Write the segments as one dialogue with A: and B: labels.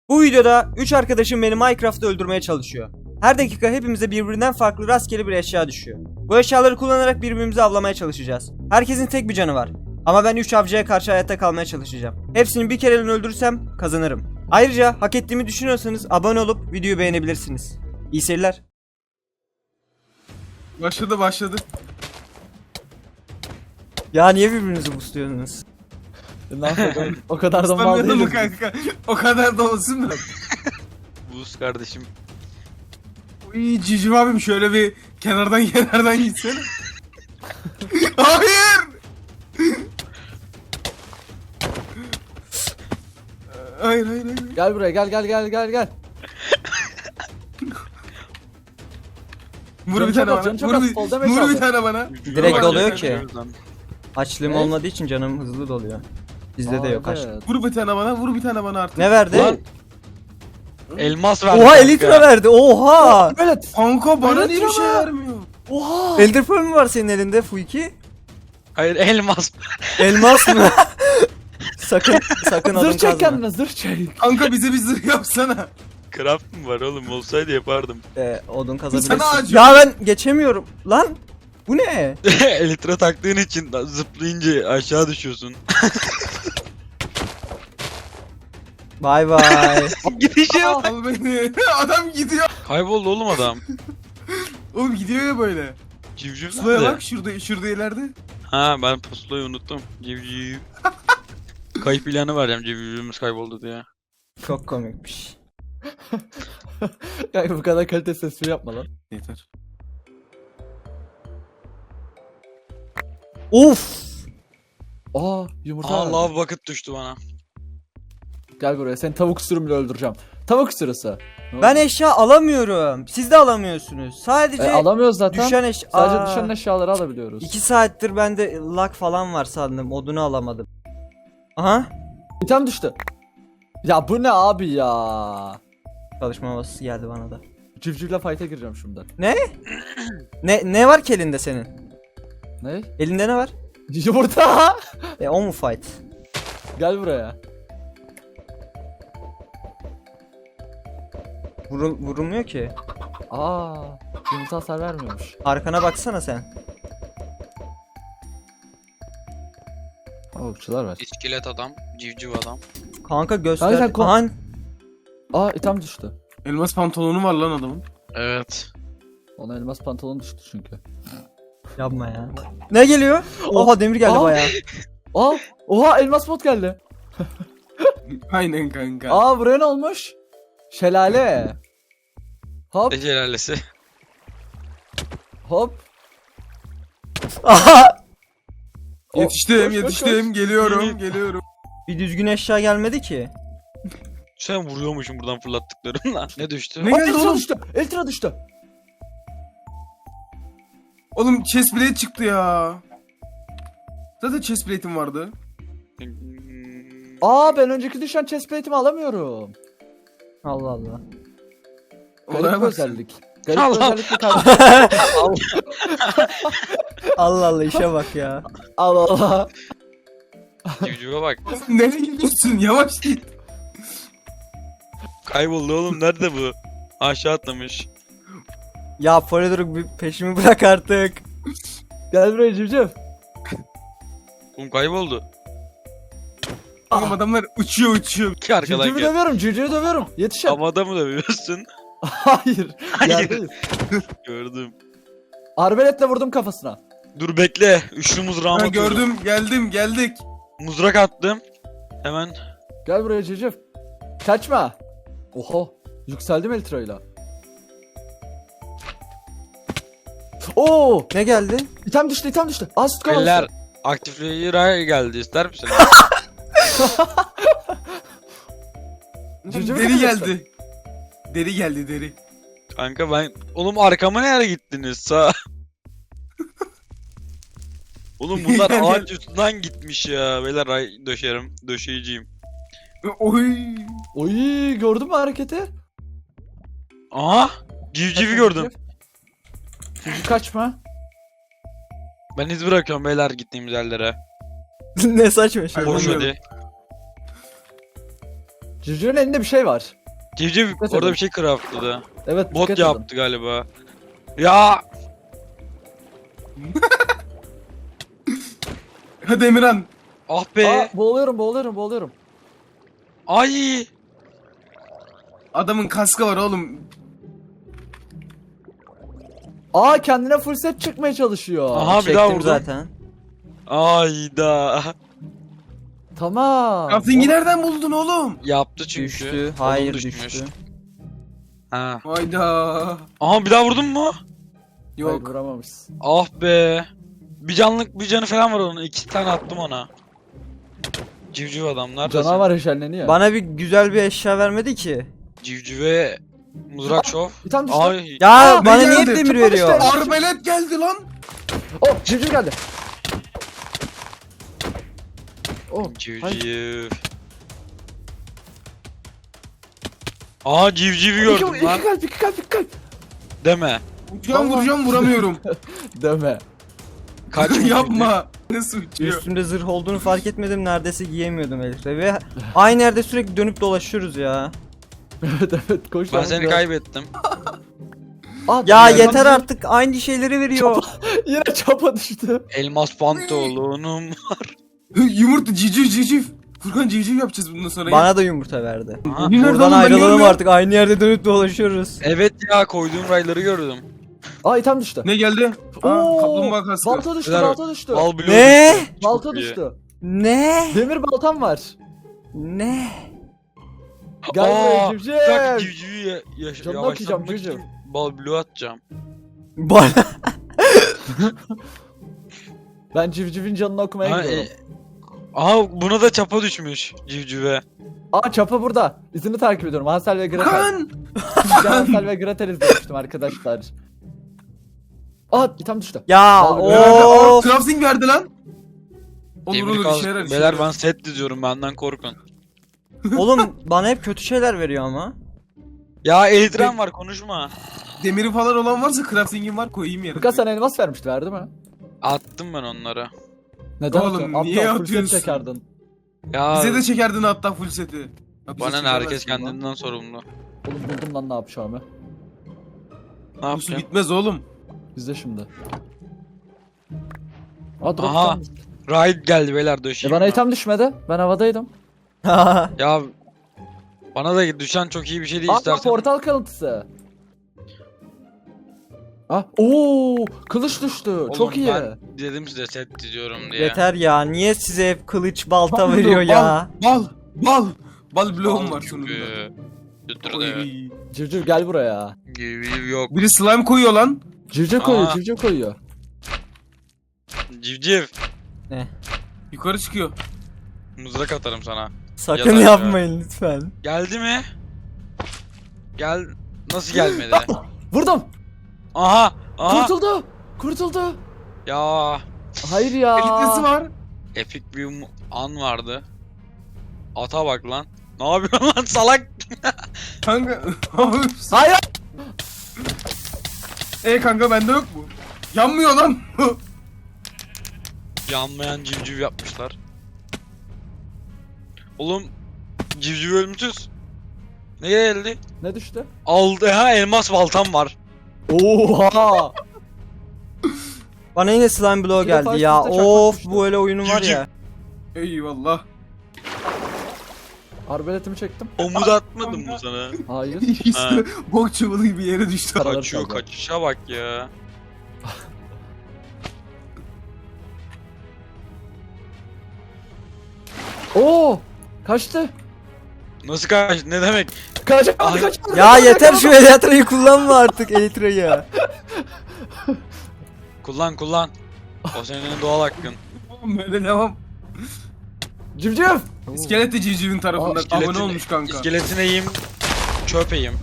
A: Bu videoda 3 arkadaşım beni Minecraft'ta öldürmeye çalışıyor. Her dakika hepimize birbirinden farklı rastgele bir eşya düşüyor. Bu eşyaları kullanarak birbirimizi avlamaya çalışacağız. Herkesin tek bir canı var. Ama ben 3 avcıya karşı hayatta kalmaya çalışacağım. Hepsini bir kereliğine öldürürsem kazanırım. Ayrıca hak ettiğimi düşünüyorsanız abone olup videoyu beğenebilirsiniz. İyi seyirler.
B: Başladı.
A: Ya niye birbirinizi busluyorsunuz?
C: Ne yapalım? O kadar da mal
B: İstemiyorum
C: değiliz.
B: kanka. O kadar da olsun da.
D: Buz kardeşim.
B: Uy Cicim abim şöyle bir kenardan gitsene. Hayır. Hayır.
C: Gel buraya gel.
B: Vur bir
C: Canı
B: tane
C: çok
B: bana.
C: az, sol demek
B: Vur bir
C: lazım.
B: tane bana.
A: Direkt doluyor ki.
D: Lan.
A: Açlığım
C: Evet.
A: olmadığı için canım hızlı doluyor. Bizde de yok açlık.
C: Evet.
B: Vur bir tane bana artık.
A: Ne verdi?
D: Lan. Elmas verdi.
A: Oha
D: kanka.
A: elitra verdi. Oha!
C: Evet.
B: Kanka bana
C: Evet
B: niye bir şey
C: ama.
B: vermiyor?
C: Oha.
A: Elder Pearl mü var senin elinde Fuiki?
D: Hayır elmas.
A: Elmas mı? sakın adım
C: Zırh çek
A: kazma.
C: kendine zırh çek.
B: Kanka bize bir zırh yapsana.
D: Craft mı var oğlum? Olsaydı yapardım.
A: Odun kazabilirsin.
B: Sana acıyorum.
A: Ya ben geçemiyorum. Lan bu ne?
D: Elitra taktığın için zıplayınca aşağı düşüyorsun.
A: Bay bay.
D: Gidişe bak.
B: Al beni. Adam gidiyor.
D: Kayboldu oğlum adam.
B: Oğlum gidiyor ya böyle.
D: Civciv
B: Sulaya
D: nerede?
B: bak şurada ileride.
D: Ha ben pusulayı unuttum. Civciv. Kayıp ilanı vereceğim civcivimiz kayboldu diye.
A: Çok komikmiş.
C: Kanka bu kadar kalite sesli yapma lan.
B: Yeter.
A: Uf!
C: Aa yumurta.
D: Aa
C: verdi.
D: lava bucket düştü bana.
C: Gel buraya seni tavuk sürümle öldüreceğim. Tavuk sürüsü. Ne
A: Ben
C: oldu?
A: eşya alamıyorum. Siz de alamıyorsunuz. Sadece
C: alamıyoruz zaten.
A: düşen eşya.
C: Sadece düşen eşyaları alabiliyoruz.
A: 2 saattir bende lag falan var sandım. Odunu alamadım. Aha.
C: İtem düştü. Ya bu ne abi ya?
A: Çalışma havası geldi bana da.
C: Civcivle fight'e gireceğim şimdi.
A: Ne var ki elinde senin?
C: Ne?
A: Elinde ne var?
C: Yumurta.
A: O mu fight?
C: Gel buraya.
A: Vurulmuyor ki.
C: Aa, yumurta hasar vermiyormuş.
A: Arkana baksana sen.
C: Okçular var.
D: İskelet adam, civciv adam.
A: Kanka göster.
C: Hayır, sen
A: Aha,
C: Aa, item düştü.
B: Elmas pantolonu var lan adamın.
D: Evet.
C: Ona elmas pantolon düştü çünkü.
A: yapma ya. Ne geliyor? Oha demir geldi
C: Aa.
A: bayağı.
C: Aa, oha elmas bot geldi.
B: Aynen kanka.
C: Aa, buraya ne olmuş? Şelale. Hop
D: Ne şelalesi.
C: hop.
A: Aha!
B: Yetiştim
C: Koş, koş,
B: geliyorum geliyorum.
A: Bir düzgün eşya gelmedi ki.
D: Sen vuruyormuşsun buradan fırlattıklarınla. Ne düştü?
B: Ne
C: Aa,
B: geldi
C: Eltra
B: oğlum?
C: düştü. Eltra düştü.
B: Oğlum chest plate çıktı ya. Zaten chest plate'im vardı.
C: Aa, ben önceki düşen chestplate'imi alamıyorum.
A: Allah Allah.
C: Garip
B: Olaya
C: bir
B: bak.
C: özellik. Garip bir
D: Allah.
C: özellik mi kardeşim?
A: Allah Allah işe bak ya.
C: Allah Allah.
D: Civcive bak.
B: Nereye gidiyorsun? Yavaş git.
D: Kayboldu oğlum. Nerede bu? Aşağı atlamış.
A: Ya Polydoruk bir peşimi bırak artık.
C: Gel buraya civciv.
D: Oğlum kayboldu.
B: Oğlum adamlar uçuyor.
D: Ki arkadan
C: Civcivi
D: gel.
C: dövüyorum, civcivi dövüyorum. Yetişin.
D: Havada mı dövüyorsun?
C: Hayır.
D: Hayır.
C: Yerdeyiz.
D: Gördüm.
C: Arbeletle vurdum kafasına.
D: Dur bekle. Üçlü mızrağımı
B: Ha,
D: atıyorum.
B: gördüm geldik.
D: Mızrak attım. Hemen.
C: Gel buraya civciv. Kaçma. Oha. Yükseldim Eltra'yla. Oo.
A: Ne geldi?
C: İtem düştü, item düştü. Aa, süt kavanozu.
D: Eller. Aktifleyici geldi. İster misin?
C: Civcivi
B: Deri
C: kapatıyorsun.
B: geldi. Deri geldi deri.
D: Kanka ben... Oğlum arkama nereye gittiniz? Sağ. Oğlum bunlar
B: Gel,
D: ağaç
B: gel.
D: üstünden gitmiş ya. Beyler ay döşerim. Döşeyiciyim.
B: Oy.
C: Oy, gördün mü hareketi?
D: Aha! Civcivi
C: Kaçma,
D: gördüm.
C: Civciv kaçma.
D: Ben iz bırakıyorum beyler gittiğimiz yerlere.
A: Ne saçma şey.
B: Hayır,
D: Boş
B: bilmiyorum.
D: hadi.
C: Civcivin elinde bir şey var.
D: Civciv
C: Dikkat
D: orada
C: edin.
D: bir şey craftladı.
C: Evet,
D: Bot
C: dikkat edin.
D: yaptı galiba. Ya
B: Hadi Emirhan.
D: ah be.
C: Aa, boğuluyorum.
D: Ay.
B: Adamın kaskı var oğlum.
C: Aa, kendine full set çıkmaya çalışıyor.
D: Aha, bir
A: Çektim
D: daha vurdum.
A: zaten.
D: Ayda.
C: Tamam.
B: Crafting'i nereden buldun oğlum?
D: Yaptı çünkü.
A: Düştü.
D: Kolum
A: Hayır
D: düşmüş.
A: düştü.
D: Ha.
B: Hayda.
D: Aha bir daha vurdun mu?
C: Hayır,
B: Yok.
C: vuramamışsın.
D: Ah be. Bir canı falan var onun. 2 tane attım ona. Civciv adamlar.
C: Canavar eşeleniyor.
A: Bana bir güzel bir eşya vermedi ki.
D: Civcive mızrak şov.
C: Bir tane düştü.
D: Ay.
A: Ya
B: Aa,
A: bana
B: ne
A: niye hep
B: geldi?
A: demir
C: Çıkmadı
A: veriyor?
C: işte.
B: Arbelet geldi lan.
C: Oh, civciv geldi. Oh, hayır.
D: Civciv. Aa civcivi gördüm lan.
C: İki kalp.
D: Deme.
B: Vuracağım vuramıyorum.
C: Deme.
D: Kaç
B: Yapma. Nasıl uçuyor?
A: Üstümde zırh olduğunu fark etmedim. Neredeyse giyemiyordum Elif'le. Ve aynı yerde sürekli dönüp dolaşıyoruz ya.
C: Evet, koş.
D: Ben
C: lan,
D: seni
C: biraz.
D: kaybettim.
C: Aa,
A: Ya
C: yine-
A: yeter artık, aynı şeyleri veriyor.
C: Yine çapa düştü.
D: Elmas pantolonum.
B: Yumurta civciv. Furkan civciv yapacağız bundan sonra.
A: Bana da yumurta verdi.
D: Aha.
B: Nerede
A: Buradan
B: oğlum, ben
A: ayrılalım
B: görmüyorum.
A: artık. Aynı yerde dönüp dolaşıyoruz.
D: Evet ya koyduğum rayları gördüm.
C: Aa, item düştü.
B: Ne geldi? Aa,
C: Oo,
B: kaplumbağa kaskı.
C: balta düştü,
D: Neler-
C: balta düştü.
D: Bal bloğu
A: Ne?
D: düştü. Çok
C: Balta
D: iyi.
C: düştü.
A: Ne?
C: Demir baltam var.
A: Ne?
C: Gel buraya
D: Aa,
C: civciv.
D: bir dakika, civcivi
C: Canını okuyacağım,
D: yavaşlatmak
C: civciv.
D: için bal bloğu atacağım.
A: Bana...
C: Ben civcivin canını okumaya
D: Ha,
C: gidiyorum.
D: aha buna da çapa düşmüş civcive.
C: Aa, çapa burada. İzini takip ediyorum. Hansel ve Gretel.
B: Furkan.
C: Ben Hansel ve Gretel izlemiştim arkadaşlar. Aa, item düştü.
A: Ya
B: Aa,
A: of.
B: crafting verdi lan. Olur
D: Demir
B: olur
D: kalsın.
B: işe yarar. işe
D: Beyler
B: yarar.
D: ben set diziyorum benden korkun.
A: Oğlum bana hep kötü şeyler veriyor ama.
D: Ya Eldiren var konuşma.
B: Demiri falan olan varsa crafting'im var koyayım yerine.
C: Furkan sana elmas vermişti, verdi mi?
D: Attım ben onlara.
C: Neden
B: Oğlum,
C: atıyorsun?
B: niye
C: Aptal, full set
B: atıyorsun?
C: çekerdin.
D: Ya
B: Bize de çekerdin hatta full seti. Ya bize
D: bana ne
B: çekemezsin
D: herkes
B: lan.
D: kendinden sorumlu.
C: Oğlum, buldum lan ne yapacağımı.
D: Ne
B: Bu su
D: yapacağım?
B: bitmez oğlum.
C: İzle şimdi. Aa, drop
D: Aha.
C: item düştü.
D: Ride geldi beyler döşeyim.
C: Bana
D: ben.
C: item düşmedi. Ben havadaydım.
D: Ya bana da düşen çok iyi bir şey değil
C: Aa,
D: istersen.
C: portal kalıntısı. Ah, ooo, kılıç düştü.
D: Oğlum,
C: Çok iyi.
D: Ben dedim size set diziyorum diye.
A: Yeter ya. Niye size hep kılıç balta
B: Bal,
A: veriyor
B: bal,
A: ya?
B: Bal bloğum
D: Al
B: var
D: çünkü.
B: sonunda.
D: Götürdü.
B: Oy.
C: Civciv gel buraya.
D: Gibi yok.
B: Biri slime koyuyor lan.
C: Civciv koyuyor,
D: Aa.
C: civciv koyuyor.
D: Civciv.
B: Yukarı çıkıyor.
D: Mızrak atarım sana.
A: Sakın
D: Yatar ya.
A: yapmayın lütfen.
D: Geldi mi? Gel. Nasıl gelmedi?
C: Vurdum.
D: Aha. Aha.
C: Kurtuldu.
D: Ya.
C: Hayır ya.
B: Elitlisi var.
D: Epik bir an vardı. Ata bak lan. Ne yapıyorsun lan salak?
B: Kanka.
C: Hayır.
B: Kanka bende yok mu? Yanmıyor lan.
D: Yanmayan civciv yapmışlar. Oğlum civciv ölümsüz. Ne geldi?
C: Ne düştü?
D: Aldı ha elmas baltam var.
C: Oha.
A: Bana yine slime blow
C: Bir defa
A: geldi ya.
C: üst üste çakmak
A: Of
C: düştü.
A: bu öyle oyunu var ya.
B: Eyvallah.
C: Arbeletimi çektim.
D: Omuz atmadım mı sana?
C: Hayır.
B: İşte bok çuvalı gibi yere düştü.
C: Paraları
D: Kaçıyor
C: çaldı.
D: kaçışa bak ya.
C: Oo. Kaçtı.
D: Nasıl kaç? Ne demek?
C: Kaçamadı,
D: Ay.
C: kaçamadı.
A: Ya yeter şu Elytra'yı kullanma artık Elytra'yı.
D: Kullan. O senin doğal hakkın.
B: Böyle devam.
C: Civciv.
B: İskelet de civcivin tarafında.
C: Aa,
B: Abone olmuş kanka.
D: İskeletine yiyeyim. Çöp yiyeyim.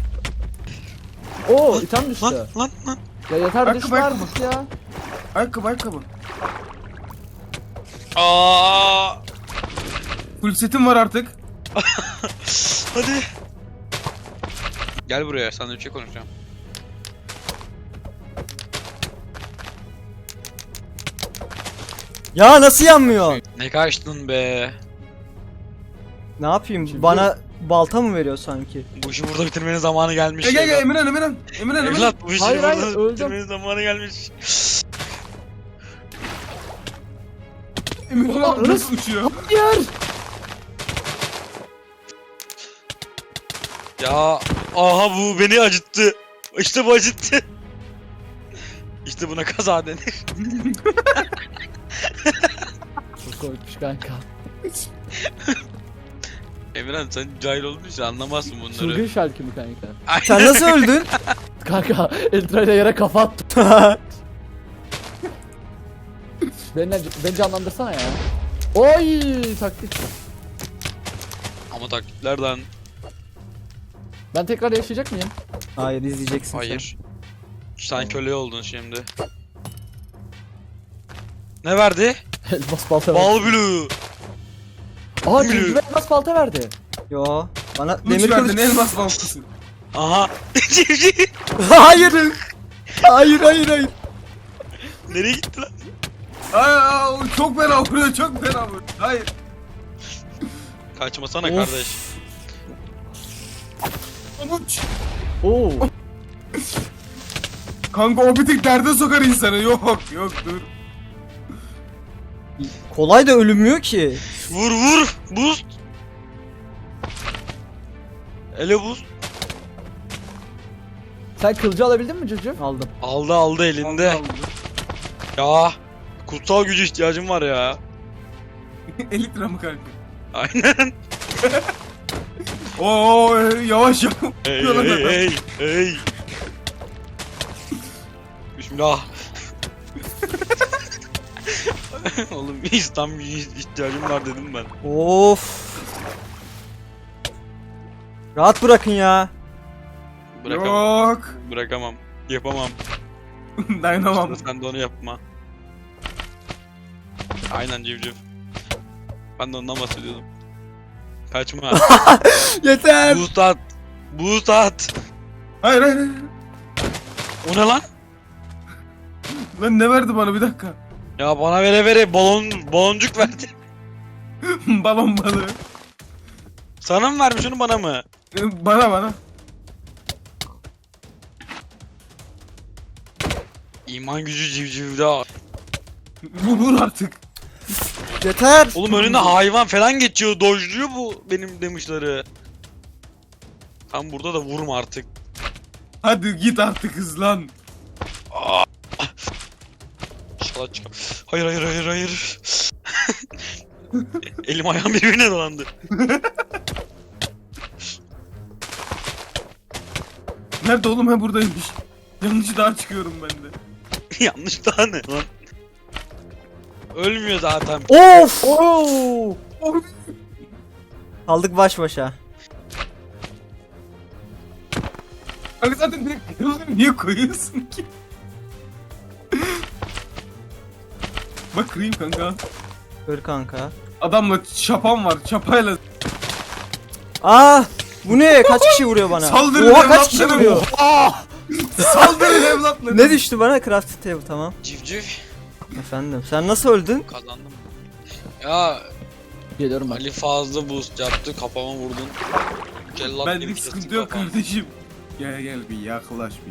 C: Oo, item düştü.
D: Lan.
C: Ya yeter,
B: Ayakkabı,
C: düşme
B: ayakkabı.
C: artık ya.
B: Ayakkabı.
D: Aa!
B: Full setim var artık.
D: Hadi. Gel buraya, seninle bir şey konuşacağım.
A: Ya nasıl yanmıyor?
D: Ne kaçtın be?
A: Ne yapayım?
C: Şimdi-
A: Bana balta mı veriyor sanki?
D: Bu işi burada bitirmenin zamanı gelmiş.
B: Gel
D: evlat.
B: Emirhan Emirhan. Emirhan Emirhan.
D: Evlat bu işi
C: Hayır, hayır,
D: burada
C: öldüm.
D: bitirmenin zamanı gelmiş.
B: Emirhan nasıl uçuyor?
C: Hayır.
D: Ya aha bu beni acıttı. İşte bu acıttı. İşte buna kaza denir.
C: Çok korkmuş kanka.
D: Emirhan sen cahil olduğun için anlamazsın bunları.
C: Çılgın şarkı mı kanka?
A: Sen nasıl öldün?
C: Kanka Eltra ile yere kafa attı. Beni canlandırsana ya. Oy taktik.
D: Ama taklitlerden
C: Ben tekrar yaşayacak mıyım?
A: Hayır, izleyeceksin sen.
D: hayır. Sen köle oldun şimdi. Ne verdi?
C: Elmas balta verdi.
D: Bal blue.
C: Aa
D: Blue.
C: civciv elmas balta verdi.
A: Yo. Bana
B: Uç
A: demir
B: verdin
A: kılıç.
B: elmas baltası.
D: Aha. Civciv.
A: Hayır. Hayır, hayır, hayır.
D: Nereye gitti lan?
B: Ay çok fena vuruyor çok fena vuruyor. Hayır.
D: Kaçmasana
A: Of.
D: kardeş.
B: Uç.
C: Oo.
B: Kanka o bir tık derde sokar insanı. Yok yok dur.
A: Kolay da ölünmüyor ki.
D: Vur vur. Boost. Ele boost.
C: Sen kılıcı alabildin mi civciv?
A: Aldım.
D: Aldı elinde. Ya. Kutsal gücü ihtiyacım var ya.
B: 50 lira mı kanka?
D: Aynen.
B: Oo yavaş yavaş.
D: Hey hey hey hey. Bismillah. Oğlum İslam gücü ihtiyacım var dedim ben.
A: Of. Rahat bırakın ya.
D: Bırakamam.
B: Yok.
D: Bırakamam. Yapamam.
B: Dayanamam.
D: Sen de onu yapma. Aynen civciv. Ben de ondan bahsediyordum. Kaçma.
A: Yeter.
D: Boost at. Boost at.
B: Hayır hayır hayır.
D: O ne lan?
B: Lan ne verdi bana bir dakika.
D: Ya bana vere baloncuk verdi.
B: Balon balığı.
D: Sana mı vermiş onu bana mı?
B: Bana.
D: İman gücü civcivde.
B: Vur artık.
A: Yeter.
D: Oğlum önünde hayvan falan geçiyor. Dojluyor bu benim demişleri. Tam burada da vurma artık.
B: Hadi git artık hızlan.
D: İnşallah çıkar. Hayır. Elim ayağım birbirine dolandı.
B: Nerede oğlum ha buradaymış. Yanlış daha çıkıyorum ben de.
D: Yanlış daha ne lan? Ölmüyor zaten.
A: Of.
C: Oo.
A: Kaldık baş başa.
B: Kanka zaten direkt kırılır niye koyuyorsun ki? Bak kırayım kanka.
A: Kır kanka.
B: Adamla çapan var çapayla.
A: Bu ne? Kaç kişi vuruyor bana?
B: Saldırın
A: Oha, kaç kişi
B: evlatlarım.
A: vuruyor?
B: Saldırın evlatlarım.
A: Ne düştü bana? Crafting table, tamam.
D: Civciv.
A: Efendim, sen nasıl öldün?
D: Kazandım. Ya
C: Geliyorum ben.
D: Ali fazla boost yaptı. Kafama vurdun. Cellat gibi
B: Benlik
D: kestik
B: sıkıntı yok
D: kafamı.
B: kardeşim. Gel bir yaklaş bir.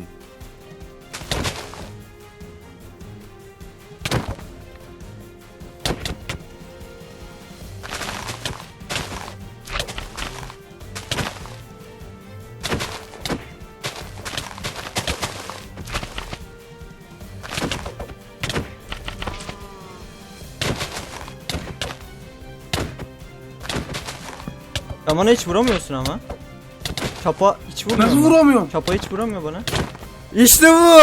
A: Ya bana hiç vuramıyorsun ama. Çapa hiç vurmuyor.
B: Nasıl
A: mu?
B: vuramıyorum?
A: Çapa hiç vuramıyor bana. İşte bu.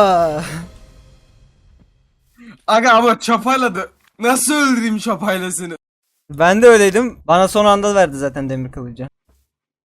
B: Aga ama çapayla da nasıl öldüreyim çapayla seni?
A: Ben de öyleydim. Bana son anda verdi zaten demir kılıcı.